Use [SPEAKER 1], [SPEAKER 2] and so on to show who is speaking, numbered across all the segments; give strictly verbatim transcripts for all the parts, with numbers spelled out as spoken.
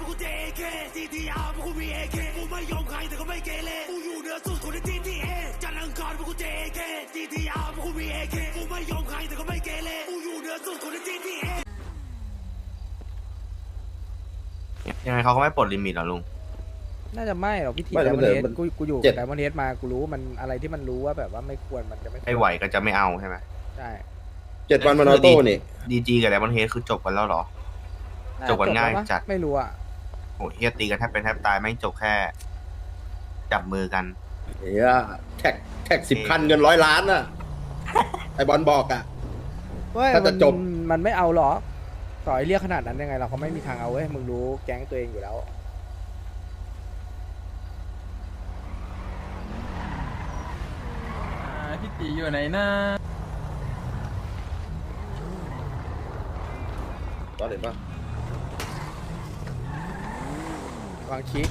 [SPEAKER 1] กูเจเคซีทีอาร์พวกกูมีเอเคกูไม่ยอมใครแต่ก็ไม่เกเรกูอยู่เหนือสุดคนในทีทีเอจันทร์อังคารพวกกูเจเคซีทีอาร์พวกกูมีเอเคกูไม่ยอมใครแต่ก็ไม่เกเรกูอยู่เหนือสุดคนในทีทีเอ
[SPEAKER 2] ยังไงเขาก็ไม่ปลดลิมิตหรอลุง
[SPEAKER 3] น่าจะไม่หรอกพิธี
[SPEAKER 4] ไม่
[SPEAKER 3] ได
[SPEAKER 4] มัน
[SPEAKER 3] มอน
[SPEAKER 4] เหลื
[SPEAKER 3] เฮ
[SPEAKER 4] อ
[SPEAKER 3] ด
[SPEAKER 4] มัน
[SPEAKER 3] กูกูอยู่
[SPEAKER 4] เจ็ด
[SPEAKER 3] ไดมอนเฮดมากูรู้มันอะไรที่มันรู้ว่าแบบว่าไม่ควรมันจะไม่ควร
[SPEAKER 2] ไอ้ไหวก็จะไม่เอาใช่ไหม
[SPEAKER 3] ใช่
[SPEAKER 4] เจ็ดวันมันออโต้นี่
[SPEAKER 2] ดีจีกับไดมอนเฮดคือจบกันแล้วเหรอ จบกันง่ายจัด
[SPEAKER 3] ไม่รู้อ่ะ
[SPEAKER 2] โหเฮียตีกันแทบเป็นแทบตายไม่จบแค่จับมือกัน
[SPEAKER 4] เฮียแท็กแท็กสิบคันเงินร้อยล้านน่ะ ไอบอลบอกอ่ะ
[SPEAKER 3] เว้ย
[SPEAKER 4] ถ้าจะ
[SPEAKER 3] มัน
[SPEAKER 4] จบ
[SPEAKER 3] มันไม่เอาหรอกต่อยเรียกขนาดนั้นยังไงเราเขาไม่มีทางเอาเว้ยมึงรู้แก๊งตัวเองอยู่แล้ว
[SPEAKER 5] พี่ตีอยู่ไหนนะ
[SPEAKER 4] ตอนเห็นปะ
[SPEAKER 3] วางคิก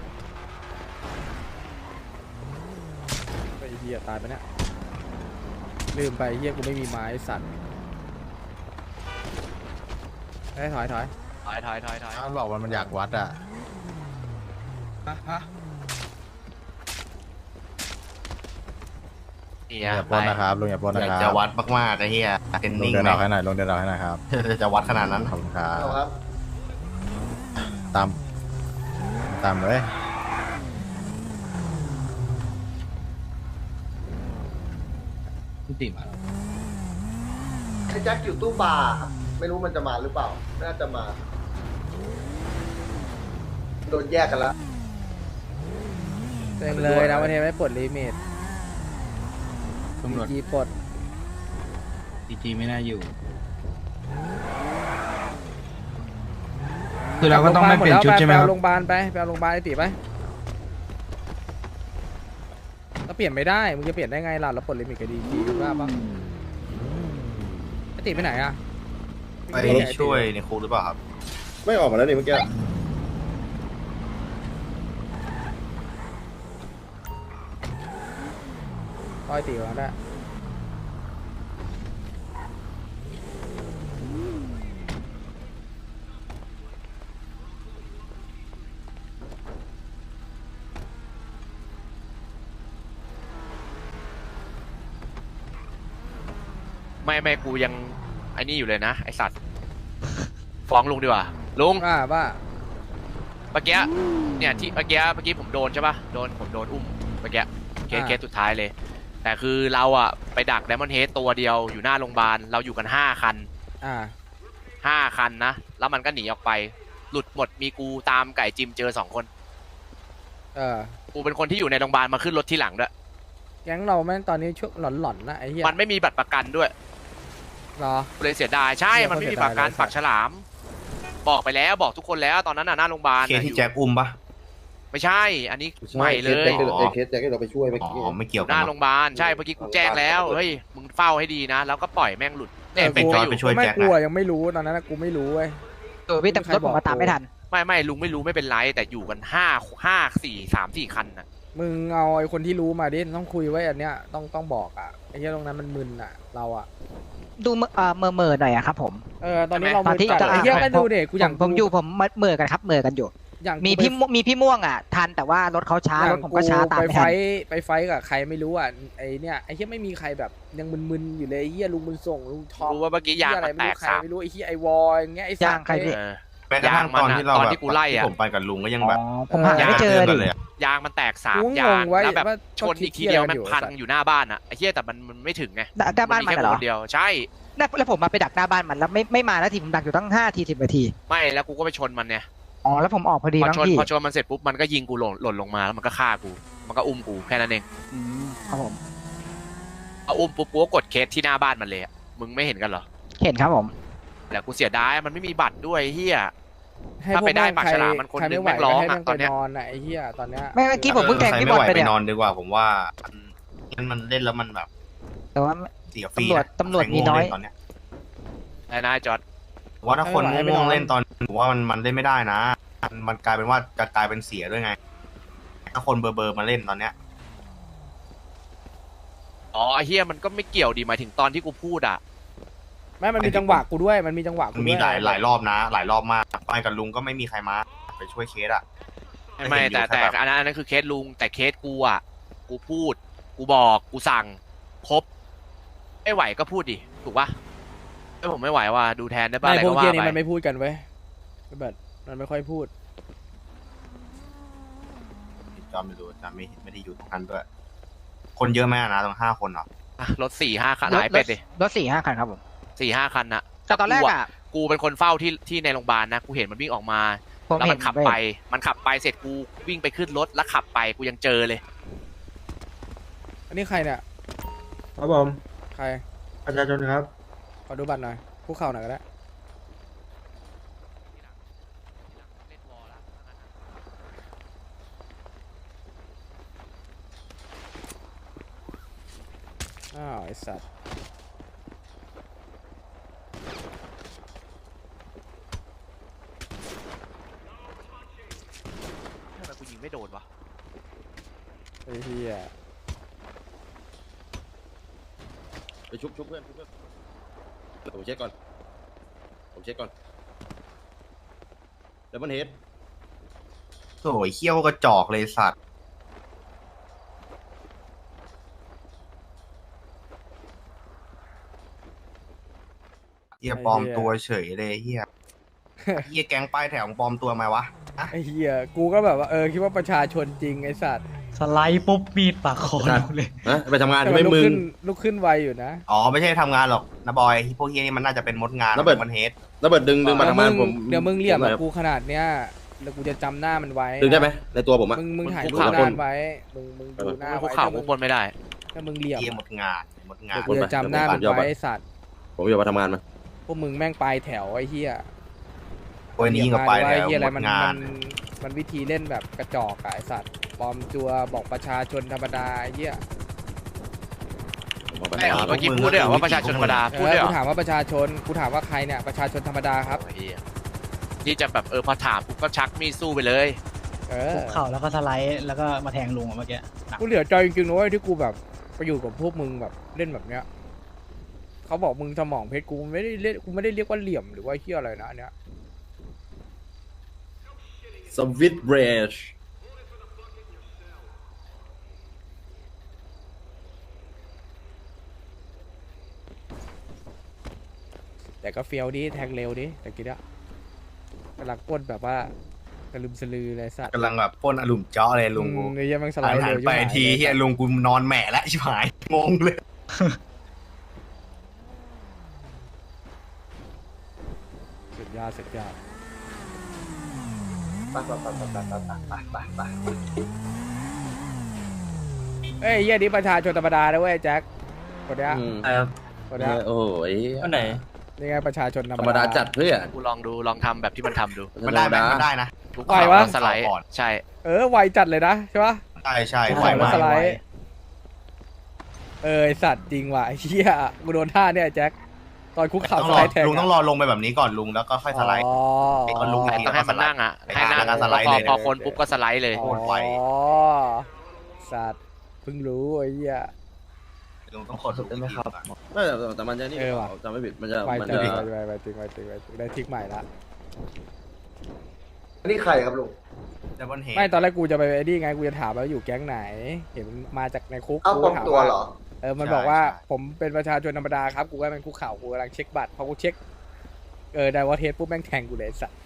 [SPEAKER 3] ไปเฮียตายไปเนี่ยลืมไปเฮียกูไม่มีไม้สัตว์ถอยถอยถอย
[SPEAKER 6] ถอยถอยถอยถอย
[SPEAKER 7] มันบอกว่ามันอยากวัดอ่ะ
[SPEAKER 6] นี่
[SPEAKER 7] อย่า
[SPEAKER 6] อ่ะ
[SPEAKER 7] ปล้นนะครับลุงอย่าปล้น
[SPEAKER 2] อ
[SPEAKER 7] นะ
[SPEAKER 2] ยาก
[SPEAKER 7] ครับ
[SPEAKER 2] จะวัดมากๆไอ้เฮียเทรน
[SPEAKER 7] ลุง
[SPEAKER 2] นิ่ง
[SPEAKER 7] เดิน
[SPEAKER 2] ไหม
[SPEAKER 7] ออกให้หน่อยลุงเดินออกให้หน่อยครับ
[SPEAKER 2] จะวัดขนาดนั้น
[SPEAKER 7] ขอบคุณครับ
[SPEAKER 4] เอาครับ
[SPEAKER 7] ตามตามเลย
[SPEAKER 4] ไอ้แจ็คอยู่ตู้บาร์ไม่รู้มันจะมาหรือเปล่าน่าจะมา โดนแยกกันแล้ว
[SPEAKER 3] เต็มเลยนะวันนี้ไม่ปลดลิมิต
[SPEAKER 5] ตำรวจ
[SPEAKER 3] จีปลด
[SPEAKER 5] ดีจีไม่น่าอยู่ คือเราก็ต้องไม่เปลี่ยนชุดใช่ไหมครับ
[SPEAKER 3] ไปเอาโรงพยาบาลไปไปเอาโรงพยาบาลไอ้ติไปเราเปลี่ยนไม่ได้มึงจะเปลี่ยนได้ไงล่ะเราปลดลิมิตกับดีจีรู้ป่ะปะไอ้ติไปไหนอะ
[SPEAKER 2] ไปช่วยในคุกหรือเปล่าครับ
[SPEAKER 4] ไม่ออกมาแล้วนี่เมื่อกี้
[SPEAKER 3] ต่อยติวแล้ว
[SPEAKER 6] ไม่ไม่กูยังไอ้นี่อยู่เลยนะไอสัตว์ฟ้องลุงดีกว่าลุง
[SPEAKER 3] ว่าว่า
[SPEAKER 6] เมื่อกี้เนี่ยที่เมื่อกี้เมื่อกี้ผมโดนใช่ปะโดนผมโดนอุ้มเมื่อกี้เคสเคสสุดท้ายเลย แต่คือเราอะไปดักไดมอนเฮดตัวเดียวอยู่หน้าโรงพยาบาลเราอยู่กันห้าคัน
[SPEAKER 3] อ่า
[SPEAKER 6] ห้าคันนะแล้วมันก็หนีออกไป หลุดหมดมีกูตามไก่จิมเจอสองคน
[SPEAKER 3] เออ
[SPEAKER 6] กูเป็นคนที่อยู่ในโรงพยาบาลมาขึ้นรถที่หลังด้วย
[SPEAKER 3] แก๊งเราแม่งตอนนี้ช่วงหลอนๆนะไอ้เหี้ย
[SPEAKER 6] มันไม่มีบัตรประกันด้วย
[SPEAKER 3] รอ
[SPEAKER 6] เลยเสียดายใช่
[SPEAKER 3] เหี้ย
[SPEAKER 6] มันไม่มีประกัน
[SPEAKER 3] เสียดายเลย
[SPEAKER 6] ปักฉลาม บอกไปแล้วบอกทุกคนแล้วตอนนั้นน่ะหน้าโรงพยาบาล
[SPEAKER 2] เคส
[SPEAKER 6] น่ะ
[SPEAKER 2] ที่
[SPEAKER 6] อยู่
[SPEAKER 2] แจ็คอุ้มปะ
[SPEAKER 6] ไม่ใช่ อันนี้ใหม่เลย
[SPEAKER 4] เคสแจ็คที่เราเคสแจ็คที่เราไปช่วยเมื่อ
[SPEAKER 2] อ๋
[SPEAKER 4] กี้
[SPEAKER 2] อไม่เกี่ยว
[SPEAKER 6] ห
[SPEAKER 2] กัน
[SPEAKER 6] น้า
[SPEAKER 2] เน
[SPEAKER 6] โร
[SPEAKER 2] อะ
[SPEAKER 6] งพยาบาลใช่เมื่อกี้กูแจ้งแล้วเฮ้ยมึงเฝ้าให้ดีนะ แล้วก็ปล่อยแม่งหลุดเนี่ย
[SPEAKER 2] เป็นจอยไปช่วย
[SPEAKER 3] ไม่
[SPEAKER 2] แจ็ค
[SPEAKER 3] กลัว
[SPEAKER 2] อะ
[SPEAKER 3] ยังไม่รู้ตอนนั้นนะกูไม่รู้เว้ย
[SPEAKER 8] เออพี่แต่รถผมมาตามไม่ทัน
[SPEAKER 6] ไม่ไม่ลุงไม่รู้ไม่เป็นไรแต่อยู่กันห้าห้าสี่สามสี่คันน่ะ
[SPEAKER 3] มึงเอาไอ้คนที่รู้มาดิต้องคุยไว้อันเนี้ยต้องต้องบอกอ่ะไอ้เหี้ยตรงนั้นมันมึนอ่ะเราอ่ะ
[SPEAKER 8] ดูเมื่อเอ่อเมื่อเมื่อหน่อยอะครับผม
[SPEAKER 3] เออตอนนี้เรา
[SPEAKER 8] ตอน
[SPEAKER 3] มึน
[SPEAKER 8] ที่
[SPEAKER 3] จัด
[SPEAKER 8] จะ
[SPEAKER 3] ไอ้เหี้ยก็ดูเด็กกูอย่าง
[SPEAKER 8] ผมอยู่ผมเมื่อกันครับเมื่อกันอยู่
[SPEAKER 3] อย่าง
[SPEAKER 8] มีพี่ม่วงมีพี่ม่วงอ่ะทันแต่ว่ารถเขาช้ารถผมก็ช้าตาม
[SPEAKER 3] ไป
[SPEAKER 8] ไม่
[SPEAKER 3] ไฟ
[SPEAKER 8] ทัน
[SPEAKER 3] ท์ไปไฟท์กับใครไม่รู้อ่ะไอ้เนี่ยไอ้เหี้ยไม่มีใครแบบยังมึนๆอยู่เลยไอ้เหี้ยลุงบุญส่งลุงทอม
[SPEAKER 6] รู้ว่าเมื่อกี้ยาง
[SPEAKER 3] เหี้อะไร
[SPEAKER 6] มัน
[SPEAKER 3] ไม่
[SPEAKER 6] แต
[SPEAKER 3] รู้
[SPEAKER 6] ก
[SPEAKER 3] ใคร
[SPEAKER 6] สาม
[SPEAKER 3] ไม่รู้ไอ้เหี้ยไอวอลอย่างเงี้ยไอ้สั
[SPEAKER 8] ยา
[SPEAKER 3] ต
[SPEAKER 8] ง
[SPEAKER 3] ว์
[SPEAKER 8] ใครพี่
[SPEAKER 6] เออ
[SPEAKER 2] แม้กระทั่งตอนที่เรา
[SPEAKER 6] ตอน
[SPEAKER 2] แบบ
[SPEAKER 6] ที่กูไล่อะ
[SPEAKER 2] ที่ผมไปกับลุงก็ยังแบบ
[SPEAKER 8] ผมหาไม่เจอ
[SPEAKER 2] กั
[SPEAKER 8] ดิ
[SPEAKER 2] นเลยอะ
[SPEAKER 6] ยางมันแตกสาม
[SPEAKER 3] กูง
[SPEAKER 6] ยาง
[SPEAKER 3] งไว้
[SPEAKER 6] แล้วแบบ
[SPEAKER 3] ว่า
[SPEAKER 6] ชนอีกทีเดียวแม่งพังอยู่หน้าบ้านอ่ะไอ้เหี้ยแต่มันมันไม่ถึงไง
[SPEAKER 8] หน้าบ้านมัน
[SPEAKER 6] แค่
[SPEAKER 8] เหรอ
[SPEAKER 6] คนเดียวใช่
[SPEAKER 8] แล้วผมมาไปดักหน้าบ้านมันแล้วไม่ไม่มานาทีผมดักอยู่ตั้งห้าทีสิบนาที
[SPEAKER 6] ไม่แล้วกูก็ไปชนมันเนี่ย
[SPEAKER 8] อ๋อแล้วผมออกพอดี
[SPEAKER 6] พอ
[SPEAKER 8] มั้ง
[SPEAKER 6] ชน
[SPEAKER 8] พี่
[SPEAKER 6] พอชนมันเสร็จปุ๊บมันก็ยิงกูหล่นหล่นลงมาแล้วมันก็ฆ่ากูมันก็อุ้มกูแค่นั้นเอง
[SPEAKER 8] อืมครับผม
[SPEAKER 6] เอาอุ้มปุ๊บกูก็กดเคสที่หน้าบ้านมันเลยอะมึงไม่เห็นกันเหรอ
[SPEAKER 8] เห็นครับผม
[SPEAKER 6] แต่กูเสียดายมันไม่มีบัตรด้วยเฮีย
[SPEAKER 3] ให้
[SPEAKER 6] ถ้า
[SPEAKER 3] พว
[SPEAKER 6] ไปได้
[SPEAKER 3] แง
[SPEAKER 6] ปากฉลามมันคน
[SPEAKER 3] ใร
[SPEAKER 6] หนึ่ง
[SPEAKER 3] ไม่ไหว
[SPEAKER 6] แม่งร้อง
[SPEAKER 3] ให้
[SPEAKER 6] อะ
[SPEAKER 3] แม่ง
[SPEAKER 6] ตอนเนี้ย
[SPEAKER 3] ไปนอนอ่ะไอ้เหี้ยตอนเนี้ย
[SPEAKER 8] ไม่เมื่อกี้ผมเพิ่งแทงพี่บอลไป
[SPEAKER 2] ใคร
[SPEAKER 8] เนี่ย
[SPEAKER 2] ม่หวไปนอนดีกว่าผมว่ามันมันเล่นแล้วมันแบบ
[SPEAKER 8] แต่ว่า
[SPEAKER 2] เสียฟรี
[SPEAKER 8] ตำรวจ
[SPEAKER 2] นะ
[SPEAKER 8] ตำรวจ
[SPEAKER 2] ใค
[SPEAKER 8] มีน้อย
[SPEAKER 2] ง่วงเล่ตอนเนี้ย
[SPEAKER 6] ไอ้นายจอด
[SPEAKER 2] ว่าถ้าคนง่วงๆเล่นตอนผมว่ามันมันเล่นไม่ได้นะมันมันกลายเป็นว่าจะกลายเป็นเสียด้วยไง ถ้าคนเบอร์เบอร์มาเล่นตอนเนี้ย
[SPEAKER 6] อ๋อไอ้เฮียมันก็ไม่เกี่ยวดีหมายถึงตอนที่กูพูดอ่ะ
[SPEAKER 3] ไม่มันมีจังหวะกูด้วยมันมีจังหวะ
[SPEAKER 2] มั
[SPEAKER 3] กู
[SPEAKER 2] น
[SPEAKER 3] ด้
[SPEAKER 2] มี
[SPEAKER 3] วย
[SPEAKER 2] หลายหลายรอบนะ หลายรอบมากไปกับลุงก็ไม่มีใครมาไปช่วยเคสอะ
[SPEAKER 6] ไม่ไม่แต่
[SPEAKER 2] เห็นอยู่
[SPEAKER 6] แต่
[SPEAKER 2] ครับ
[SPEAKER 6] อันนั้นอันนั้นคือเคสลุงแต่เคสกูอ่ะกูพูด กูบอกกูสั่งครบไม่ไหวก็พูดดิถูกปะถ้าผมไม่ไหวว่าดูแทนได้ป่ะ
[SPEAKER 3] ไม่
[SPEAKER 6] อะไร
[SPEAKER 3] พว
[SPEAKER 6] ก็
[SPEAKER 3] กเกีย
[SPEAKER 6] ว่า
[SPEAKER 3] นี่
[SPEAKER 6] ไป
[SPEAKER 3] มันไม่พูดกันเว้ยแบบมันไม่ค่อยพูด
[SPEAKER 2] จอมไม่รู้จอมไม่ไม่ได้อยู่ตรงนั้นด้วย คนเยอะไหมอะนะตรงห้าคนเหรอ
[SPEAKER 6] อ่ะรถสี่ห้าคัน
[SPEAKER 8] รถ
[SPEAKER 6] หายเป็ดดิ
[SPEAKER 8] รถสี่ห้าคันครับผม
[SPEAKER 6] สี่ห้าคันน่ะ
[SPEAKER 8] แต่ตอนแรกอ่ะ
[SPEAKER 6] กูเป็นคนเฝ้าที่ที่ในโรงพยาบาลนะกูเห็นมันวิ่งออกมา
[SPEAKER 8] ผม
[SPEAKER 6] แล้ว
[SPEAKER 8] เห็
[SPEAKER 6] มัน นขับไป มันขับไปเสร็จกูวิ่งไปขึ้นรถแล้วขับไปกูยังเจอเลย
[SPEAKER 3] อันนี้ใครเนี่ย
[SPEAKER 9] ครับผม
[SPEAKER 3] ใคร
[SPEAKER 9] ประชาชนครับ
[SPEAKER 3] ขอดูบัตรหน่อยคุกเข่าหน่อยก็ได้อ้าวไอสัตว์
[SPEAKER 6] ทำไมกูยิงไม่โดนวะ
[SPEAKER 3] ไอ้เหี้ย
[SPEAKER 4] ไปชุบชุบเพื่อนชุบเพื่อนผมเช็คก่อน ผมเช็คก่อนแล้วมันเฮด
[SPEAKER 2] โถ่เขี้ยวกระจอกเลยสัตว์เฮียปลอมตัวเฉยเลยเฮียเฮียแก๊งป้ายแถวปลอมตัวมาวะ
[SPEAKER 3] ไอ้เหี้ยกูก็แบบว่าเออคิดว่าประชาชนจริงไอ้สัตว์
[SPEAKER 5] สไลด์ปุ๊บมีดปากคอเลย
[SPEAKER 4] นะไปทำงาน
[SPEAKER 3] แต่
[SPEAKER 4] ใช่
[SPEAKER 3] มั
[SPEAKER 4] ไหม
[SPEAKER 3] นลุก
[SPEAKER 4] มึง
[SPEAKER 3] ขึ้นลุกขึ้นไวอยู่นะ
[SPEAKER 2] อ๋อไม่ใช่ทำงานหรอกนะบอยพวกเฮียนี่มันน่าจะเป็นมดงาน
[SPEAKER 4] ระเบิด
[SPEAKER 2] มันเฮด
[SPEAKER 4] ระเบิดดึงดึงมา
[SPEAKER 3] เดี๋ยว
[SPEAKER 4] ทำ
[SPEAKER 3] มึ
[SPEAKER 4] งาน
[SPEAKER 3] ง
[SPEAKER 4] ผม
[SPEAKER 3] เดี๋ยวมึงเหลี่ยม
[SPEAKER 4] ผ
[SPEAKER 3] กับ
[SPEAKER 4] หน่อ
[SPEAKER 3] กูขนาดเนี้ยแล้วกูจะจำหน้ามันไว้
[SPEAKER 4] ดึงได้ไหมในตัวผมอะ
[SPEAKER 3] มึงมึงถ่าย
[SPEAKER 6] คุ
[SPEAKER 3] รู
[SPEAKER 6] ก
[SPEAKER 3] ป
[SPEAKER 6] เข่า
[SPEAKER 3] หน้ามันไว้มึงมึงดูหน้า
[SPEAKER 6] คุก
[SPEAKER 3] ไว้
[SPEAKER 6] เข่า
[SPEAKER 3] ถ้า
[SPEAKER 6] คุ
[SPEAKER 3] มึ
[SPEAKER 6] ก
[SPEAKER 3] ง
[SPEAKER 6] บนไม่ได้
[SPEAKER 3] ถ้ามึงเหลี่ยม
[SPEAKER 2] เฮียหมดงานหมดงาน
[SPEAKER 3] กูจะจำหน้ามันไว้ไอ้สัตว์
[SPEAKER 4] ผมอยู่มาทำงานมา
[SPEAKER 3] พวกมึงแม่งปลายแถวไอ้เหี้ย
[SPEAKER 2] โอ้ยนี่ยิ่งกับไป
[SPEAKER 3] ไอ้
[SPEAKER 2] แล้ว
[SPEAKER 3] เหี้ยอะไร
[SPEAKER 2] หม
[SPEAKER 3] มัน
[SPEAKER 2] ดงา
[SPEAKER 3] มัน นมันวิธีเล่นแบบกระจอกอะไอ้สัตว์ปลอมตัวบอกประชาชนธรรมดาไอ้เหี้ย
[SPEAKER 4] ผมเอาไป
[SPEAKER 6] ไอ้
[SPEAKER 4] ทำงาน
[SPEAKER 6] เมื่อกี้พูดด้วยเหรอว่าประชาชนธรรมดา
[SPEAKER 3] เอ
[SPEAKER 6] พูด
[SPEAKER 3] อ
[SPEAKER 6] ด้วยเหร
[SPEAKER 3] กู
[SPEAKER 6] อ
[SPEAKER 3] ถามว่าประชาชนกูถามว่าใครเนี่ยประชาชนธรรมดาครับ
[SPEAKER 6] โอ้ยเหี้ยที่จะแบบเออพอถามปุ๊บก็ชักมีดสู้ไปเลย
[SPEAKER 3] เออ
[SPEAKER 5] คุกเข่าแล้วก็สไลด์แล้วก็มาแทงลุงเมื่อกี้
[SPEAKER 3] กูเหลือใจจริงๆนะเว้ยที่กูแบบไปอยู่กับพวกมึงแบบเล่นแบบเนี้ยเขาบอกมึงสมองเพชรกูไม่ได้เรียกกูไม่ได้เรียกว่าเหลี่ยมหรือว่าเหี้ยอะไรนะอันเนี้ย
[SPEAKER 4] สวิตเบรช
[SPEAKER 3] แต่ก็เฟี้ยวดิแทงเร็วดิแต่กี้อะกำลังปล้นแบบว่ากระลืมสลือเลยสัตว์
[SPEAKER 2] กำลังแบบพ่นอารมณ์เจาะเลยลุงกู
[SPEAKER 3] อืมไอ้เหี้ยแมันสไล
[SPEAKER 2] หัน
[SPEAKER 3] ด์
[SPEAKER 2] หั
[SPEAKER 3] เร็
[SPEAKER 2] น
[SPEAKER 3] ว
[SPEAKER 2] ไป
[SPEAKER 3] ชิบหาย
[SPEAKER 2] ทีเฮียลุงกูนอนแหม่แล้วชิบหายงงเลย
[SPEAKER 3] สุดยอดสุดยอด
[SPEAKER 4] ไปไปไปไปไปไปไปไป
[SPEAKER 3] เอ้ยเหี้ยนี่ประชาชนธรรมดานะเว้ยแจ็คคนเนี้ย
[SPEAKER 4] อืม
[SPEAKER 5] ครับ
[SPEAKER 3] คนเนี้ย
[SPEAKER 4] โอ้ย
[SPEAKER 5] อันไหน
[SPEAKER 3] นี่ไงประชาชนธร
[SPEAKER 4] ธร
[SPEAKER 3] ร
[SPEAKER 4] ร
[SPEAKER 3] ม
[SPEAKER 4] ม
[SPEAKER 3] ดา
[SPEAKER 4] ดาจัดเพื่อ
[SPEAKER 6] กูลองดูลองทำแบบที่มันทำดู
[SPEAKER 2] มันได้ไหมมันได้นะ
[SPEAKER 6] คุก
[SPEAKER 3] ไหว
[SPEAKER 6] เข่าว
[SPEAKER 3] ะ
[SPEAKER 6] แล้วสไลด์
[SPEAKER 2] ก่อน
[SPEAKER 6] ใช่
[SPEAKER 3] เออไวจัดเลยนะใช่ปะ
[SPEAKER 2] ใช่ใช่
[SPEAKER 3] ไห
[SPEAKER 2] ไห
[SPEAKER 3] ว
[SPEAKER 2] ว
[SPEAKER 3] ไหม
[SPEAKER 2] มาก
[SPEAKER 3] สไลด์ เออไอสัตว์จริงว่ะไอ้เหี้ยกูโดนท่าเนี่ยแจ็คตอนคุกเข่า
[SPEAKER 2] ต้อง
[SPEAKER 3] ส
[SPEAKER 2] ร
[SPEAKER 3] ไล
[SPEAKER 2] อ
[SPEAKER 3] ด์แทง
[SPEAKER 2] ลุงต้องรอลงไปแบบนี้ก่อนลุงแล้วก็ค่อยสไลด์
[SPEAKER 3] อ๋อ
[SPEAKER 2] ไอ้คนลุง
[SPEAKER 6] ต้องให้มันนั่งอ่ะให้นั่ง
[SPEAKER 2] แล้วก็สไลด์
[SPEAKER 6] พอ
[SPEAKER 2] เลย
[SPEAKER 6] พอคนปุ๊บก็สไลด์เลย
[SPEAKER 2] โคตรไว
[SPEAKER 3] อ๋อสัตว์เพิ่งรู้ไอ้เหี้ย
[SPEAKER 2] ลุงต้องขอถูกได้ไหมครับ
[SPEAKER 4] ไม่แต่แต่มันจะนี่
[SPEAKER 3] เออว่ะ
[SPEAKER 4] จำไม่ผิดมันจะ
[SPEAKER 3] ไว
[SPEAKER 4] มัน
[SPEAKER 3] จั
[SPEAKER 4] จะ
[SPEAKER 3] งไวไวจริงไวจริงไวจริงได้ทริกใหม่ละ
[SPEAKER 9] อันนี้ใครครับลุง
[SPEAKER 2] แต่บนเฮ
[SPEAKER 3] ไม่ตอนแรกกูจะไปไอ้นี่ไงกูจะถามว่าอยู่แก๊งไหน เห็นมาจากในคุก
[SPEAKER 9] เอา
[SPEAKER 3] กู
[SPEAKER 9] ปลอม
[SPEAKER 3] ถาม
[SPEAKER 9] ตัว
[SPEAKER 3] ว่า
[SPEAKER 9] เหรอ
[SPEAKER 3] เออมันบอกว่าผมเป็นประชาชนธรรมดาครับกูก็เป็นคุกเข่ากูกำลังเช็คบัตรพอกูเช็คเออได้ว่าเทสปุ๊บแม่งแทงกูเลยไอ้สัตว์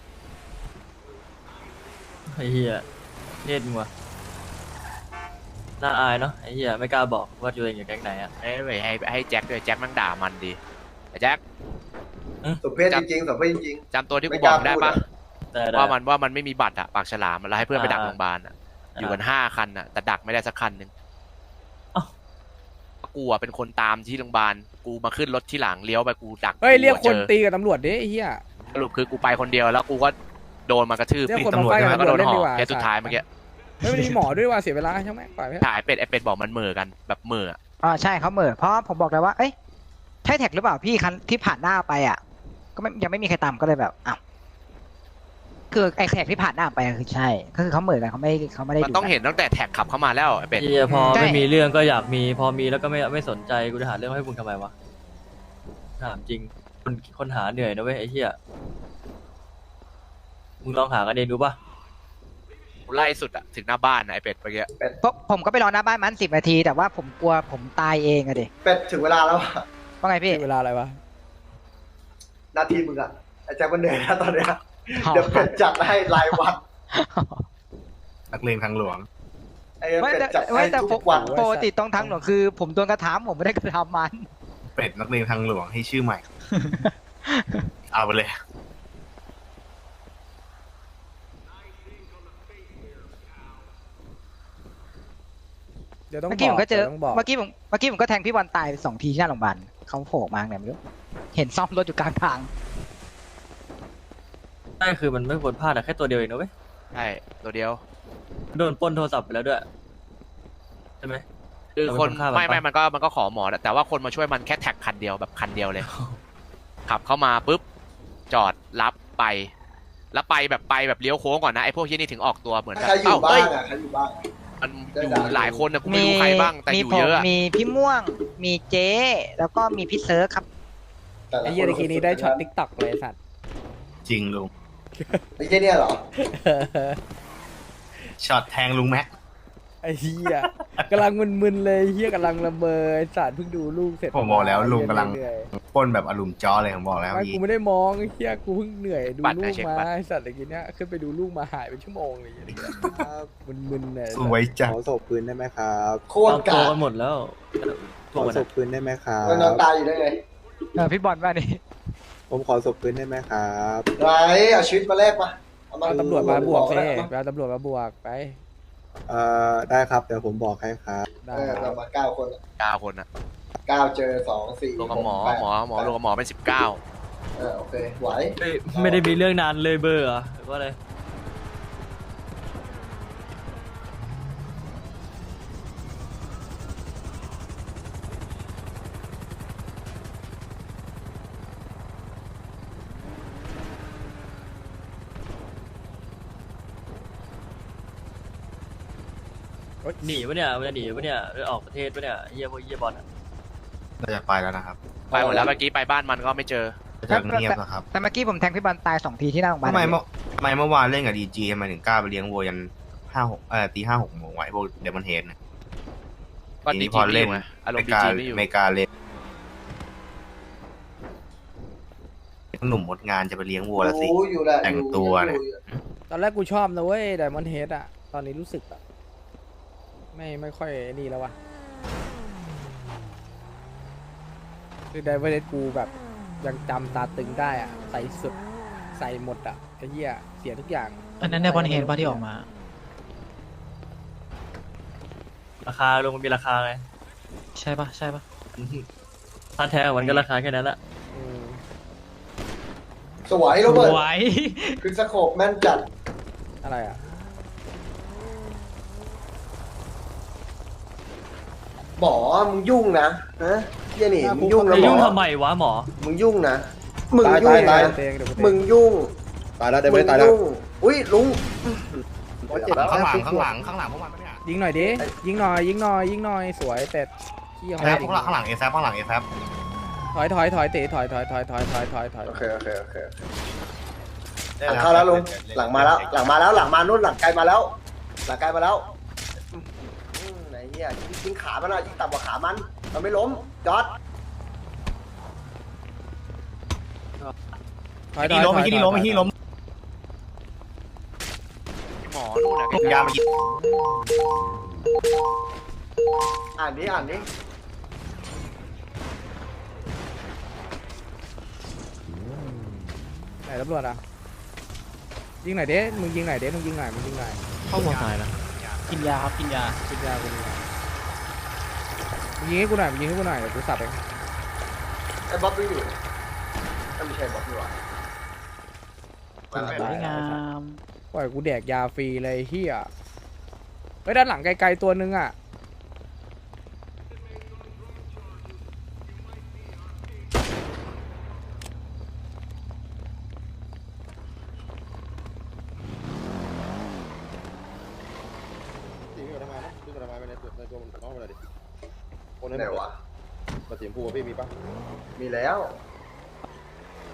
[SPEAKER 5] ไอ้เหี้ยเล่นมึงวะน่าอายเนาะไอ้เหี้ยไม่กล้าบอกว่าตัวเองอยู่แก๊งไหนอ่ะ
[SPEAKER 6] ให้ให้ให้ให้แจ็คด้วยแจ็คแม่งด่ามันดีไอ้แจ็ค
[SPEAKER 9] สมเพศจริงๆสมเพศจริง
[SPEAKER 6] จำตัวที่
[SPEAKER 9] ไม่
[SPEAKER 6] กู
[SPEAKER 9] ก
[SPEAKER 6] บ
[SPEAKER 9] ล้า
[SPEAKER 6] อกได้
[SPEAKER 9] พูด
[SPEAKER 6] ปะ
[SPEAKER 9] อะ
[SPEAKER 5] แต่ได้
[SPEAKER 6] ว่ามันว่ามันไม่มีบัตรอะปากฉลามแล้วให้เพื่อนไปดัก
[SPEAKER 5] อ่า
[SPEAKER 6] โรงพยาบาลอะอยู่กันห้าคันอะแต่ดักไม่ได้สักคันหนึ่ง
[SPEAKER 5] เอ้า
[SPEAKER 6] กูอะเป็นคนตามที่โรงพยาบาลกูมาขึ้นรถที่หลังเลี้ยวไปกูดัก
[SPEAKER 3] เฮ้ยเรียกคน
[SPEAKER 6] จอ
[SPEAKER 3] ตีกับตำรวจดิไอ้เหี้ย
[SPEAKER 6] สรุปคือกูไปคนเดียวแล้วกูก็โดนมากระทืบ
[SPEAKER 3] เรียก
[SPEAKER 6] ปิด
[SPEAKER 3] คน
[SPEAKER 6] ตำรวจ
[SPEAKER 3] มาไฟกับ
[SPEAKER 6] แล้วก็โดน
[SPEAKER 3] ตำรวจเล่น
[SPEAKER 6] ห่
[SPEAKER 3] ดี
[SPEAKER 6] อก
[SPEAKER 3] ว่า
[SPEAKER 6] เคสสุดท้ายเมื่อกี้
[SPEAKER 3] ไม่มีหมอด้วยว่ะเสียเวลาใช่ไหมปล่อยไหม
[SPEAKER 6] ถ่ายเป็ดไอเป็ดบอกมันเหม่อกันแบบเหม่ออะ
[SPEAKER 8] อ่าใช่เขาเหม่อเพราะผมบอกเลยว่า เอ้ยใช่แท็กหรือเปล่าพี่คันที่ผ่านหน้าไปอ่ะ ก็ไม่ยังไม่มีใครตามก็เลยแบบอ้าวคือไอ้แท็กที่ผ่านหน้าไปอะคือใช่ก็คือเขาเหม่อกันเขาไม่เขาไม่ได้
[SPEAKER 6] มัน
[SPEAKER 8] ดู
[SPEAKER 6] ต้องเห็นตั้งแต่แท็กขับเข้ามาแล้วไอเป็ด
[SPEAKER 5] เหี้ยพอ
[SPEAKER 8] ใช่
[SPEAKER 5] ไม่มีเรื่องก็อยากมีพอมีแล้วก็ไม่ไม่สนใจกูจะหาเรื่องให้มึงทำไมวะถามจริงคนคนหาเหนื่อยนะเว้ยไอ้เหี้ยมึงลองหากันเองดูป่ะ
[SPEAKER 6] ไล่สุดอะถึงหน้าบ้านนะไอเป็ดเมื่อกี้
[SPEAKER 8] เพราะผมก็ไปรอหน้าบ้านมันสิบนาที แต่ว่าผมกลัวผมตายเองอะดิ
[SPEAKER 9] เป็ดถึงเวลาแล้วอะ
[SPEAKER 8] ว่าไงพี่
[SPEAKER 3] เวลาอะไรวะ
[SPEAKER 9] นาทีมึงอะไอ้แจ็คมันเหนื่อยแล้วตอนเนี้ย
[SPEAKER 8] อ๋อ
[SPEAKER 9] เดี๋ยวเป็ดจัดให้รายวัน
[SPEAKER 2] นักเลงทางหลวง
[SPEAKER 9] ไอ้
[SPEAKER 8] ไม่
[SPEAKER 9] เป็ด
[SPEAKER 8] แต่
[SPEAKER 9] จัด
[SPEAKER 8] ไม่
[SPEAKER 9] ให้
[SPEAKER 8] แต่
[SPEAKER 9] ทุกวัน
[SPEAKER 8] ปกติตรงทางหลวงคือ ผมโดนกระถามผมไม่ได้กระทำมัน
[SPEAKER 2] เป็ดนักเลงทางหลวงให้ชื่อใหม่ เอาไปเลย
[SPEAKER 3] เดี๋ยวต้อง
[SPEAKER 8] เมื่อกี้ผมก็เจอ
[SPEAKER 3] ต้องบอก
[SPEAKER 8] เมื่อกี้ผมเมื่อกี้ผมก็แทงพี่บอลตายสองทีที่หน้าโรงพยาบาลเขาโผล่มาไงไม่รู้เห็นซ่อมรถอยู่กลางทาง
[SPEAKER 5] ใช่คือมันไม่ควรพลาดอะแค่ตัวเดียวเองนะเว้ย
[SPEAKER 6] ใช่ตัวเดียว
[SPEAKER 5] โดนปล้นโทรศัพท์ไปแล้วด้วยใช่ไหม
[SPEAKER 6] คือคน
[SPEAKER 5] เราเป็นคนฆ่ามัน
[SPEAKER 6] ไม่ไม่
[SPEAKER 5] ปะ
[SPEAKER 6] มันก็มันก็ขอหมอแต่ว่าคนมาช่วยมันแค่แท็กคันเดียวแบบคันเดียวเลย ขับเข้ามาปุ๊บจอดรับไป แล้วไปแบบไปแบบเลี้ยวโค้งก่อนนะไอพวกที่นี่ถึงออกตัวเหมือนแบบ
[SPEAKER 9] ใครอยู่
[SPEAKER 6] เอ้า
[SPEAKER 9] บ้า
[SPEAKER 6] เอ้ย
[SPEAKER 9] งอะใครอยู่บ้างอะ
[SPEAKER 6] มันอยู่หลายคนนะกูไม่รู้ใครบ้างแต่
[SPEAKER 8] มี
[SPEAKER 6] อยู่
[SPEAKER 8] ผม
[SPEAKER 6] เยอะอะ
[SPEAKER 8] มีพี่ม่วง มีเจ๊แล้วก็มีพี่เซิร์ฟครับ
[SPEAKER 9] แต่ละ
[SPEAKER 3] ไอ้เหี้ย
[SPEAKER 9] ค
[SPEAKER 3] ตะกี้นี้ได้ช็อตติ๊กต็อกเลยไอ้สัตว์
[SPEAKER 2] จริงลุง
[SPEAKER 9] ไอ้เหี้ยเนี่ยเหรอ
[SPEAKER 2] ช็อตแทงลุงแม็ก
[SPEAKER 3] ไอ้เหี้ยกำลังมึนๆเลยเหี้ยกำลังละเมอไอ้สัตว์เพิ่งดูลูกเสร็จ
[SPEAKER 2] ผมบอกแล้วลุงกำลัง
[SPEAKER 3] เหนื่อย
[SPEAKER 2] ปล้นแบบอารมณ์จ้อเลยผมบอกแล้ว
[SPEAKER 3] ไม่
[SPEAKER 2] พี่
[SPEAKER 3] กูไม่ได้มองไอ้เหี้ยกูเพิ่งเหนื่อยดูลูกมาไอ้สัตว์ตะกี้เนี้ยขึ้นไปดูลูกมาหายเป็นชั่วโมงเลยไอ้เหี้ยมึนๆเลย
[SPEAKER 2] สวยจัง
[SPEAKER 10] ขอศพปืนได้ไหมครับ
[SPEAKER 9] โค
[SPEAKER 5] ต
[SPEAKER 9] ต
[SPEAKER 5] อ
[SPEAKER 9] ร
[SPEAKER 5] นโต
[SPEAKER 9] กา
[SPEAKER 5] กันหมดแล้ว
[SPEAKER 10] ข
[SPEAKER 5] พวก
[SPEAKER 10] อ
[SPEAKER 5] มัน
[SPEAKER 10] ศ
[SPEAKER 5] อะ
[SPEAKER 10] พปืนได้ไหมครั
[SPEAKER 9] แล้วนอน
[SPEAKER 10] บ
[SPEAKER 9] ตายอยู่ได้ไง
[SPEAKER 8] เออพี่บอลว่านี่
[SPEAKER 10] ผมขอศพปืนได้ไหมครับ
[SPEAKER 9] ไรเอาชีวิตมาแลกมาเอามา
[SPEAKER 3] เอาตำรวจมาบวก
[SPEAKER 9] เล
[SPEAKER 3] เซ่
[SPEAKER 9] ย
[SPEAKER 3] ไปเอาตำรวจมาบวกไป
[SPEAKER 10] เอ่อได้ครับเดี๋ยวผมบอกให้ครับ
[SPEAKER 3] ได้
[SPEAKER 9] เออ
[SPEAKER 3] ค
[SPEAKER 9] เรา
[SPEAKER 3] รับ
[SPEAKER 9] มาเก้าคนอะ
[SPEAKER 6] เก้าคนอะ
[SPEAKER 9] เก้าเจอสองสี่
[SPEAKER 6] รวมกับหมอ
[SPEAKER 9] แปด
[SPEAKER 6] หมอหมอรวมกับหมอเป็นสิบเก้า
[SPEAKER 9] เออโอเคไหว
[SPEAKER 5] เฮ้ยไม่ได้มีเรื่องนานเลยเบอร์เหรอหรือว่าอะไร หนีปะเนี่ยมันจะหนีปะเนี่ยหรือออกประเทศปะเนี่ยเยี่ยพวกเยี่ยบอลอะ
[SPEAKER 2] เราจะไปแล้วนะครับ
[SPEAKER 6] ไปหมดแล้วเมื่อกี้ไปบ้านมันก็ไม่เจอ
[SPEAKER 2] จะเงียบนะครับ
[SPEAKER 8] แต่เมื่อกี้ผมแทงพี่บอลตายสองทีที่หน้าโรงพยาบาล
[SPEAKER 2] ทำไมเมื่อทำไมเมื่อวานเล่นกับดีจีทำไมถึงกล้าไปเลี้ยงวัวยันห้าหกเอ่อตีห้าหกโมงไว้พวกเดมอนเฮดเนี่ย
[SPEAKER 6] ก็
[SPEAKER 2] ที
[SPEAKER 6] ดี
[SPEAKER 2] นี้พ
[SPEAKER 6] จี
[SPEAKER 2] อ
[SPEAKER 6] ไม่อ
[SPEAKER 2] เล่น
[SPEAKER 6] ยู่ไงอารม
[SPEAKER 2] ไม่
[SPEAKER 6] ณ์ดี
[SPEAKER 2] กล้า
[SPEAKER 6] จีไม่อยู่
[SPEAKER 2] ไม่กล้าเล่นหนุ่มหมดงานจะไปเลี้ยงวัวแล้วสิ
[SPEAKER 9] รู้อยู่แหละ
[SPEAKER 2] แต่ง
[SPEAKER 9] อยู่
[SPEAKER 2] ตัวเนี่ย
[SPEAKER 9] อยู่
[SPEAKER 3] ตอนแรกกูชอบนะเว้ยไดมอนด์เฮดอะตอนนี้รู้สึกแบบไม่ไม่ค่อยนี่แล้ววะคือไดมอนด์เฮดกูแบบยังจำตาตึงได้อะใส่สุดใส่หมดอะไอ้เหี้ยเสียทุกอย่าง
[SPEAKER 11] อันนั้นในบอลเฮดป่ะที่ออกมา
[SPEAKER 5] ราคาลงมันมีราคาไง
[SPEAKER 11] ใช่ป่ะ ใช่ป่ะ
[SPEAKER 5] ถ้าแท้มันก็ราคาแค่นั้นแหละ
[SPEAKER 3] อืม
[SPEAKER 9] สวยโรเบิร์ต
[SPEAKER 11] ไว้
[SPEAKER 9] คือสโคปแม่นจัด
[SPEAKER 3] อะไรอะ
[SPEAKER 9] หมอมึงยุ่งนะฮะเหี้ยนี่มึงยุ่งนะ
[SPEAKER 5] จะ
[SPEAKER 9] หม
[SPEAKER 5] ยุ่ง
[SPEAKER 9] อ
[SPEAKER 5] ทำไมวะหมอ
[SPEAKER 9] มึงยุ่งนะมึง
[SPEAKER 4] ตาย
[SPEAKER 9] ยุ่
[SPEAKER 4] ตาง ยตาย
[SPEAKER 9] นะ
[SPEAKER 3] เตงเดี๋ยวกูเต
[SPEAKER 9] มึงยุ่ง
[SPEAKER 4] ตายแล้วได้ไหมตายแล้ว
[SPEAKER 9] งอุ้ยลุงโอ้ยเจ็บแล้ว
[SPEAKER 2] ข้างหลังข้างหลังข้างหลังพวกมันปะเนี่ย
[SPEAKER 3] ยิงหน่อยดิยิงหน่อยยิงหน่อยยิงหน่อยสวยแต่ขี้
[SPEAKER 2] เอ
[SPEAKER 3] เขา
[SPEAKER 2] แซ
[SPEAKER 3] ไม่
[SPEAKER 2] ฟข้างหลังข้างหลังเอแซฟข้างหลังเอแซฟ
[SPEAKER 3] ถอยถอยถอยเตะถอยถอยถอยถอยถอยถอยถอย
[SPEAKER 9] โอเคโอเคโอเคหลังเข้าแล้วลุงหลังมาแล้ว หลังมาแล้วหลังมานู่นหลังไกลมาแล้ว หลังไกลมาแล้วอืมไหนเหี้ยยิงขามันหน่อยยิงต่ำกว่าขามันมันไม่ล้มจอด
[SPEAKER 3] ถอยถ
[SPEAKER 2] ที่
[SPEAKER 3] อย
[SPEAKER 2] ล้ม
[SPEAKER 3] ถ
[SPEAKER 2] ไป
[SPEAKER 3] อย
[SPEAKER 2] ที่ล้มไปที่ล้ม
[SPEAKER 6] หมอนู่นน่ะ
[SPEAKER 2] ยามายิง
[SPEAKER 9] อ่านดิอ่านดิ
[SPEAKER 3] ไหนตำรวจอ่ะยิงหน่อยเด้มึงยิงหน่อยเด้มึงยิงหน่อยมึงยิงหน่อย
[SPEAKER 11] เข้าหัวตายนะกินยาครับ กินยา
[SPEAKER 3] กินยากูยิงหน่อยมึงยิงให้กูหน่อยมึงยิงให้กูหน่อยเดี๋ยวกูสับเอง
[SPEAKER 9] ไอ้บ๊อบไม่อยู่ไม่ใช่บ๊อบดีกว่า
[SPEAKER 11] สวยงาม
[SPEAKER 3] ปล่อยกูแดกยาฟรีเลยเฮียเฮ้ยด้านหลังไกลๆตัวนึงอ่ะ
[SPEAKER 4] สีมันทำไมนะสีมันทำไมในตัวในตัวมันน้องมันอะไรดิโอนให้
[SPEAKER 9] ไหน
[SPEAKER 4] หมด
[SPEAKER 9] วะ
[SPEAKER 4] มาสีชมพูพี่มีปะ
[SPEAKER 9] มีแล้ว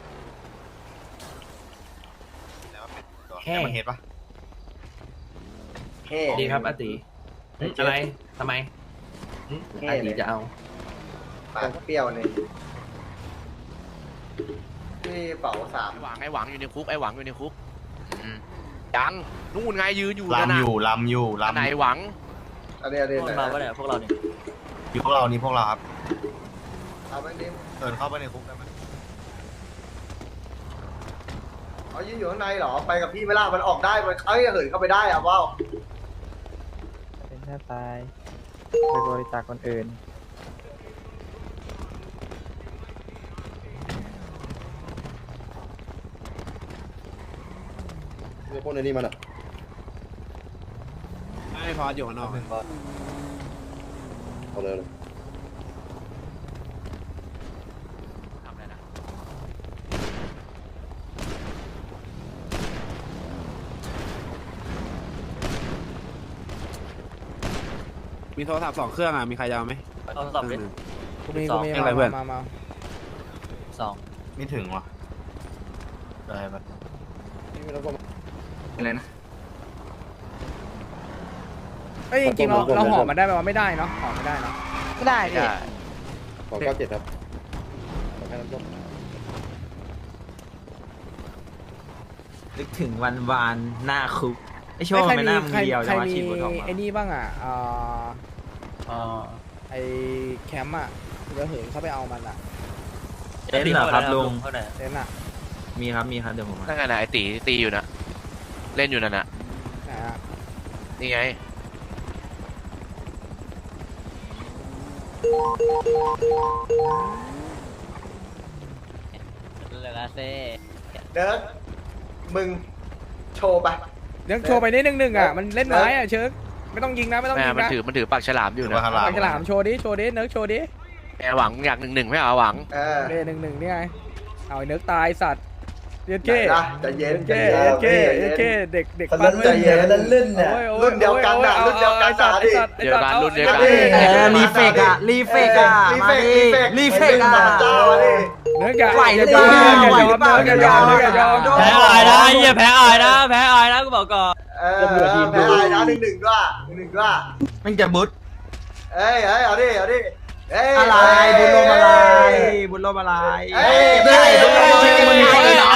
[SPEAKER 2] แค่มันเห็นปะ
[SPEAKER 9] เฮ้
[SPEAKER 11] ดีครับอาติอะไรทำไม
[SPEAKER 9] เฮ้
[SPEAKER 11] อาติ
[SPEAKER 9] เลย
[SPEAKER 11] จะเอา
[SPEAKER 9] ปากเปรี้ยวเลยนี่เป๋าสาม
[SPEAKER 6] ไอ้หวังไอ้หวังอยู่ในคุกไอ้หวังอยู่ในคุกอืมยังนู่นไงยืนอยู่นั่น
[SPEAKER 2] ลำ
[SPEAKER 6] น่ะ
[SPEAKER 2] อยู่ลำอยู่
[SPEAKER 6] อันไหน
[SPEAKER 2] ลำ
[SPEAKER 6] หวัง
[SPEAKER 9] อันนี้อันนี้
[SPEAKER 5] พวก
[SPEAKER 9] ไหน
[SPEAKER 5] เราก็เนี่ยพวกเราเนี่ย
[SPEAKER 2] อยู่พวกเรานี่พวกเราครับ
[SPEAKER 9] เอาไปดิ
[SPEAKER 2] เดินเข้าไปในคุกได้ไหม
[SPEAKER 9] เอายืนอยู่ข้างในเหรอไปกับพี่ไม่ล่ะมันออกได้มันเอ้ยเหินเข้าไปได้อะว้าว
[SPEAKER 11] เป็นแค่ตายไปบริจาคคนอื่น
[SPEAKER 4] เดี๋ยวพวกในนี้มันอ่ะ
[SPEAKER 10] ไม่พออยู่ข้างนอก
[SPEAKER 4] เอาเลยเลย
[SPEAKER 6] ทำอะไรนะ
[SPEAKER 10] มีโทรศัพท์สองเครื่องอ่ะ มีใครจะเอาไหม
[SPEAKER 5] เอาสอบดิ
[SPEAKER 3] กูมี
[SPEAKER 5] สอง
[SPEAKER 3] กูมี
[SPEAKER 10] อะไรเพื่อน
[SPEAKER 3] มามา
[SPEAKER 5] สอง
[SPEAKER 2] ไม่ถึงวะได้ปะ
[SPEAKER 10] อะไรนะ
[SPEAKER 3] เอ้ยจริงๆเราเราห่อมันได้ไหมว่าไม่ได้เนาะห่อไม่ได้เนาะ
[SPEAKER 8] ไม่ได้พี่
[SPEAKER 4] สองเก้าเจ็ดครับ
[SPEAKER 11] นึกถึงวันวานหน้าคุกไอโช
[SPEAKER 3] เอ้ย
[SPEAKER 11] ว์
[SPEAKER 3] ใคร
[SPEAKER 11] ไม่
[SPEAKER 3] มี
[SPEAKER 11] น่ามึง
[SPEAKER 3] ใคร
[SPEAKER 11] เดียว
[SPEAKER 3] ใคร
[SPEAKER 11] จะมา
[SPEAKER 3] มี
[SPEAKER 11] ฉีดบนออกมา
[SPEAKER 3] ไอ้นี่บ้างอ่ะเอ่อ
[SPEAKER 11] อ๋อ
[SPEAKER 3] ไอ้แคมป์อ่ะเดี๋ยวเหินเข้าไปเอามันอ่ะ
[SPEAKER 11] เต็นท์เหรอครับลุง
[SPEAKER 5] เท่าไหร่
[SPEAKER 3] เต็นท์อ่ะ
[SPEAKER 11] มีครับมีครับเดี๋ยวผมมา
[SPEAKER 6] นั่นไงนะไอ้ตีตีอยู่นะเล่นอยู่นั่นน่ะ
[SPEAKER 3] ไหนอ่ะ
[SPEAKER 6] นี่ไง
[SPEAKER 5] เหลือเซ่
[SPEAKER 9] เดิร์กมึงโชว์ไป
[SPEAKER 3] เดี๋ยวโชว์ไปนิดนึงหนึ่งอ่ะมันเล่นไม้อ่ะเชิร์กไม่ต้องยิงนะไม่ต้อง
[SPEAKER 6] แม่
[SPEAKER 3] ยิง
[SPEAKER 6] มัน
[SPEAKER 3] นะ
[SPEAKER 6] ถือมันถือปากฉลามอยู่
[SPEAKER 2] ถือ
[SPEAKER 6] นะ
[SPEAKER 2] ว่าข้างหลัง
[SPEAKER 3] ปากฉลามโชว์ดิโชว์ดิเนิร์กโชว์ดิ
[SPEAKER 6] แอร์หวังอยากหนึ่งหนึ่งไม่เอาหวัง
[SPEAKER 9] เออ
[SPEAKER 3] เล่หนึ่งหนึ่งนี่ไงเอาไอ้เนิร์กตายสัตว์เย็น
[SPEAKER 9] ไหน
[SPEAKER 3] เก้
[SPEAKER 9] ล่ะใจเย็น
[SPEAKER 3] เย็นเก้เย็นเก้เย็นเก้เด็กเด็กปั้น
[SPEAKER 9] ใจเย็นเล่นเนี่ย
[SPEAKER 3] โอ้โอ้
[SPEAKER 9] รุ่นเดียวกันน่ะ
[SPEAKER 3] โอ้
[SPEAKER 9] รุ่นเดียวกัน
[SPEAKER 3] อา
[SPEAKER 9] น่ะ
[SPEAKER 3] ไอ้สัตว์
[SPEAKER 9] ดิ
[SPEAKER 3] ไอ้สัตว์ไอ้สัตว์
[SPEAKER 6] เดียวกันรุ่นเดียวกัน
[SPEAKER 3] อา
[SPEAKER 9] เออ
[SPEAKER 11] รีเฟกอะรีเฟกอะ
[SPEAKER 9] รี
[SPEAKER 11] มา
[SPEAKER 9] เฟก
[SPEAKER 11] ดิ
[SPEAKER 9] รีเฟก
[SPEAKER 11] รีเฟกอะ
[SPEAKER 9] เจ้าดิ
[SPEAKER 3] เนิร์กอย่า
[SPEAKER 11] ไหว
[SPEAKER 3] อย่า
[SPEAKER 11] หรื
[SPEAKER 3] ย
[SPEAKER 11] อ
[SPEAKER 3] อม
[SPEAKER 11] เปล่า
[SPEAKER 3] อย่ายอม
[SPEAKER 11] ไหวหรือเปล่า
[SPEAKER 3] เนิร์กอย่ายอมเนิร์กอย่ายอม
[SPEAKER 11] แพ้อายนะเหี้ยแพ้อายนะแพ้อายนะกูบอกก่อน
[SPEAKER 9] เออแพ้นะหนึ่งหนึ่งด้วยหนึ่งหนึ่งด้วย
[SPEAKER 11] มันจะบุญ
[SPEAKER 9] เอ้ยเอ้ยเอาดิเอาดิเอ้ย
[SPEAKER 11] อะไรบุญลมอะไรบุญลมอะไร
[SPEAKER 9] เอ้ย
[SPEAKER 11] ไม่ได้บุญลมจริงมันมีคนเหรอ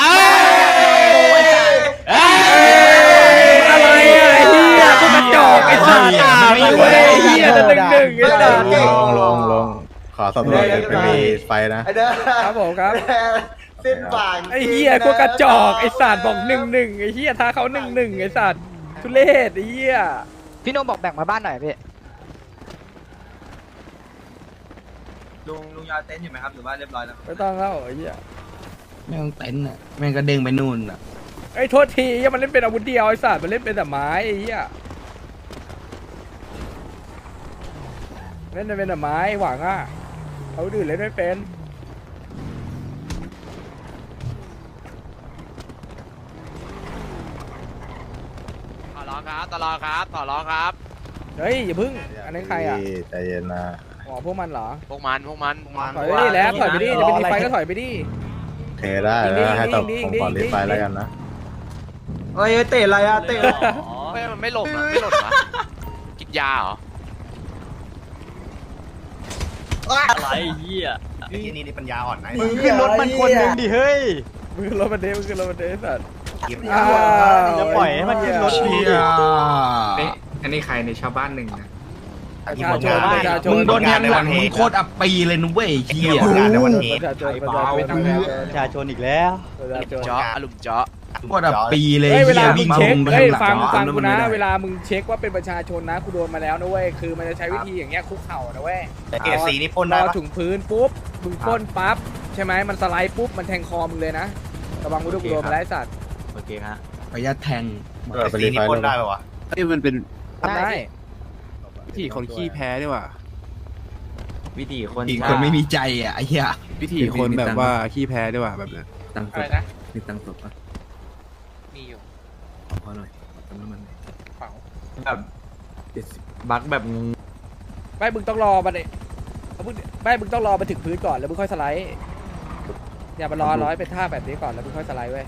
[SPEAKER 3] อะไรอ่ะไอ้เหี้ยพวกกระจอกไอ้สัตว์ไม่รู้ไอ้เหี้ยจะหนึ่งหนึ่งไอ้สัตว์
[SPEAKER 7] ลงลงลงขอสอบตรวจไม่มีไฟนะ
[SPEAKER 9] ไอ้เด้อ
[SPEAKER 3] ครับผมครับ
[SPEAKER 9] สิ้นบาง
[SPEAKER 3] ไอ้เหี้ยพวกกระจอกไอ้สัตว์บอกหนึ่งหนึ่งไอ้เหี้ยท้าเขาหนึ่งหนึ่งไอ้สัตว์ทุเรศไอ้เหี้ย
[SPEAKER 8] พี่โนบอกแบ่งมาบ้านหน่อยพี่
[SPEAKER 11] ลุงลุงยาเต้นอยู่ไหมครับหรือว่าเรียบร้อยแล้ว
[SPEAKER 3] ไม่ต้องแล้วไอ้เหี้ย
[SPEAKER 11] แม่งเต้นอ่ะแม่งก็เด้งไปนู่นอ่ะ
[SPEAKER 3] ไอ้โทษทีเหี้ยมันเล่นเป็นอาวุธเดียวไอ้สัตว์มันเล่นเป็นแต่ไม้ไอ้เหี้ยเล่นเป็นแต่ไม้หวังอ่ะเขาดื่นเล่นไม่เป็น
[SPEAKER 6] ต่อรองครับต่อรองครับต่อรองครับ
[SPEAKER 3] เฮ้ยอย่าพึ่งอันนี้นใครอ่ะ
[SPEAKER 7] ใจเย็นนะ
[SPEAKER 3] อ๋อพวกมันเหรอ
[SPEAKER 6] พวกมันพวกมันพวกมัน
[SPEAKER 3] ถอยไปดิแล้วถอยไปดิจะไปดีไฟก็ถอยไปดิ
[SPEAKER 7] เทได้แล้วให้ตบผมก่อนรีบไฟแล้วกันนะ
[SPEAKER 11] เฮ้ยเตะอะไรอ่ะเตะอะไร
[SPEAKER 6] ไม่มันไม่หลบนะไม่หลบนะกินยาเหรอ
[SPEAKER 5] อะไรเหี้ย
[SPEAKER 2] ไอ้ที่นี่นี่ปัญญาอ่อนนะ
[SPEAKER 11] มึงขึ้นรถมันคนหนึ่งดิเฮ้ย
[SPEAKER 3] มึงขึ้นรถมาเด้มึงขึ้นรถมาเด้สัตว์
[SPEAKER 2] กิน
[SPEAKER 3] อ้าว
[SPEAKER 11] จะปล่อยให้มันขึ้นรถ
[SPEAKER 3] เหี้
[SPEAKER 11] ดี
[SPEAKER 3] ย
[SPEAKER 10] อันนี้ใครในชาวบ้านหนึ่งนะ
[SPEAKER 3] ประชาชนประชาชน
[SPEAKER 11] มึงโดนแทงหลังมึงโคตรอับปีเลยนุ้ยเฮี
[SPEAKER 2] เกี่
[SPEAKER 11] ย
[SPEAKER 2] ยวกับในวันนี้
[SPEAKER 3] ประชาชนประชาชน
[SPEAKER 11] ประชาชนอีกแล้ว
[SPEAKER 3] ประชาชน
[SPEAKER 6] เจาะอารมณ์เจาะ
[SPEAKER 11] โคตรอับปีเลย
[SPEAKER 3] เฮ้ยเว
[SPEAKER 11] เฮี
[SPEAKER 3] ลาย มึ
[SPEAKER 11] วิ่
[SPEAKER 3] ง
[SPEAKER 11] ง
[SPEAKER 3] เช็ค
[SPEAKER 11] มุมไป
[SPEAKER 3] เฮ้ย
[SPEAKER 11] ข้างหลัง
[SPEAKER 3] ฟังฟังกูนะ
[SPEAKER 11] ไม่ได้
[SPEAKER 3] เวลามึงเช็คว่าเป็นประชาชนนะกูโดนมาแล้วนะเว้ยคือมันจะใช้วิธีอย่างเงี้ยคุกเข่านะเว้ย
[SPEAKER 2] แต่เกรดสีนี่พ่น
[SPEAKER 3] ร
[SPEAKER 2] ได้
[SPEAKER 3] อ
[SPEAKER 2] ปะ
[SPEAKER 3] ถึงพื้นปุ๊บมึงพ่นปั๊บใช่ไหมมันสไลด์ปุ๊บมันแทงคอมึงเลยนะระวังกูด้วยกูโดนมาแล้วไอ้สัตว์
[SPEAKER 11] โอเคฮะขออนุญาตแทง
[SPEAKER 2] เกรดสีนี่พ่นได้ปะวะ
[SPEAKER 10] เอ้ยมันเป็น
[SPEAKER 3] ทำได้
[SPEAKER 10] วิธีคนขี้แพ้ดีกว่า
[SPEAKER 11] วิธีคนอีกคนไม่มีใจอ่ะไอ้เหี้ย
[SPEAKER 10] วิธีคนแบบว่าขี้แพ้ดีกว่าแบบนั้น
[SPEAKER 11] ตัง
[SPEAKER 6] อะไรนะ
[SPEAKER 11] มีตังศพปะ
[SPEAKER 6] มีอยู่
[SPEAKER 11] ขอหน่อยตำน้ำมัน
[SPEAKER 6] เป๋า
[SPEAKER 11] แบบเจ็ดสิบบักแบบ
[SPEAKER 3] ไม่มึงต้องรอมันเลยเอามึงไม่มึงต้องรอมาถึงพื้นก่อนแล้วมึงค่อยสไลด์อย่ามารอร้อยเป็นท่าแบบนี้ก่อนแล้วมึงค่อยสไลด์เว้ย